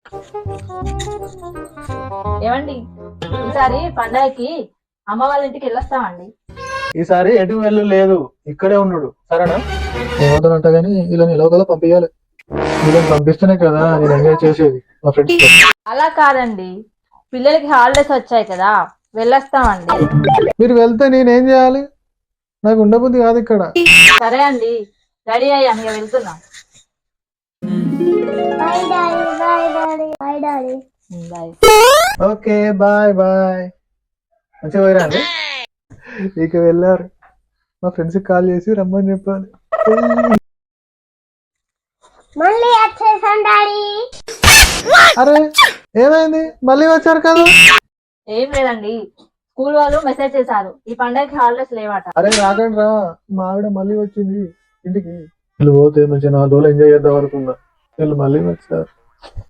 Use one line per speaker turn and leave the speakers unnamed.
ఏమండి, ఈసారి పండగకి అమ్మ వాళ్ళ ఇంటికి వెళ్ళొస్తామండి.
ఈసారి ఎటు వెళ్ళు లేదు, ఇక్కడే ఉన్నాడు సరేనా? ఏమంటానంట కానీ ఇలా ఎలాగోలా పంపించాలి. వీళ్ళని పంపిస్తేనే కదా నేను ఎంజాయ్ చేసేది మా ఫ్రెండ్స్ తో.
అలా కాదండి, పిల్లలకి హాలిడేస్ వచ్చాయి కదా, వెళ్ళొస్తామండి.
మీరు వెళ్తే నేనేం చేయాలి? నాకు ఉండబుద్ధి కాదు ఇక్కడ.
సరే అండి, రెడీ అయ్యాం, ఇక వెళ్తున్నాం. బాయ్.
Okay bye bye. మంచిగా పోయిరండి. ఇక వెళ్ళారు. మా ఫ్రెండ్స్ కాల్ చేసి రమ్మని చెప్పాలి.
మళ్ళీ వచ్చేసాం డాడీ.
అరే ఏమైంది? మళ్ళీ వచ్చారు కదా?
ఏం లేదండి, స్కూల్ వాళ్ళు మెసేజ్ చేశారు, ఈ పండగకి హాలిడేస్ లేవట.
అరే రాకండి రా, మా ఆవిడ మళ్ళీ వచ్చింది ఇంటికి. వీళ్ళు పోతే మంచిగా 4 రోజులు ఎంజాయ్ చేద్దాం అనుకున్నా, వీళ్ళు మళ్ళీ వచ్చారు.